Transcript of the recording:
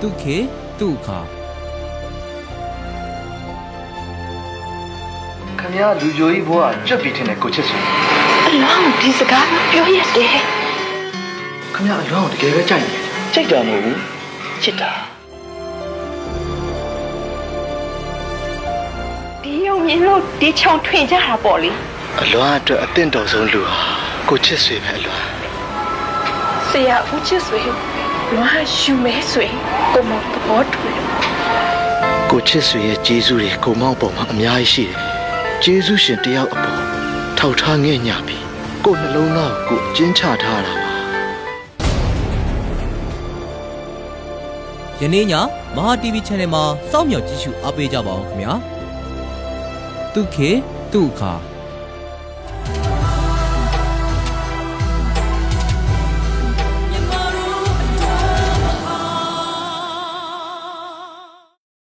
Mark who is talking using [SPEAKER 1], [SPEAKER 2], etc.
[SPEAKER 1] တုခေတုခါ
[SPEAKER 2] ခင်ဗျားလူကြိုကြီးဘွားကြွက်ပြီးထင်တယ်ကိုချစ်စွာ
[SPEAKER 3] အလောင်းဒီစကားပြောရတယ်
[SPEAKER 2] ခင်ဗျားအလွမ်းကိုတကယ်ပဲကြိုက်နေတယ်ကြိုက်တာမဟုတ်ဘူးချစ်တာ
[SPEAKER 3] ဒီယုံမြင်လို့ဒီချောင်ထွင်ကြတာပေါ့လေ
[SPEAKER 2] အလွမ်းအတွက်အသင့်တော်ဆုံးလူဟာကိုချစ်စွေပဲအလွမ်း
[SPEAKER 3] ဆရာဦးချစ်ဆွေလွမ်းရှူမဲဆွေကိုမသဘောတူလို့
[SPEAKER 2] ကိုချစ်စွေရဲ့ကျေးဇူးတွေကိုမောက်ပေါ်မှာအများကြီးရှိတယ်ကျေးဇူးရှင်တယောက်အပေါ်ထောက်ထားငဲ့ညပြီးကိုနှလုံးသားကိုအကျဉ်းချထားတာပါ
[SPEAKER 1] ယနေ့ညမဟာ TV Channel မှာစောင့်မျှော်ကြည့်ရှုအားပေးကြပါအောင်ခင်ဗျာတုခေတုခါ